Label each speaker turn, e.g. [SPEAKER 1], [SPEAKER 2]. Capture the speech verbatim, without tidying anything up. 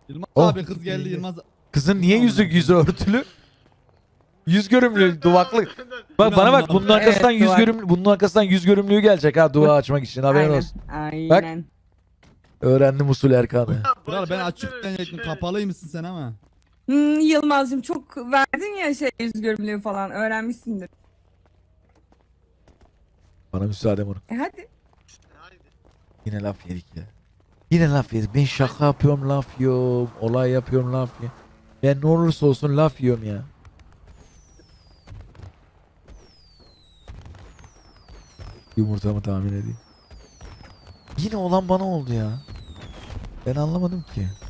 [SPEAKER 1] Yılmaz
[SPEAKER 2] Oh.
[SPEAKER 1] abi kız geldi Yılmaz.
[SPEAKER 2] Kızın niye yüzü yüzü örtülü? Yüz görümlü duvaklık. Bak bana bak bunun
[SPEAKER 1] Evet,
[SPEAKER 2] arkasından yüz
[SPEAKER 3] duvak.
[SPEAKER 2] görümlü bunun arkasından yüz görümlüğü gelecek ha dua açmak için haberin
[SPEAKER 3] Aynen.
[SPEAKER 2] olsun.
[SPEAKER 3] Aynen.
[SPEAKER 2] Öğrendim usul Erkan'ı.
[SPEAKER 1] Kral ben açık denecektim kapalıymışsın sen ama.
[SPEAKER 3] Hmm, Yılmaz'cığım çok verdin ya şey yüz görümlüğü falan öğrenmişsindir.
[SPEAKER 2] Bana müsaade moruk.
[SPEAKER 3] E hadi.
[SPEAKER 2] Yine laf yedik ya. Yine laf yedik. Ben şaka yapıyorum laf yiyorum. Olay yapıyorum laf yiyorum. Ben ne olursa olsun laf yiyorum ya. Yumurtamı tahmin edeyim. Yine olan bana oldu ya. Ben anlamadım ki.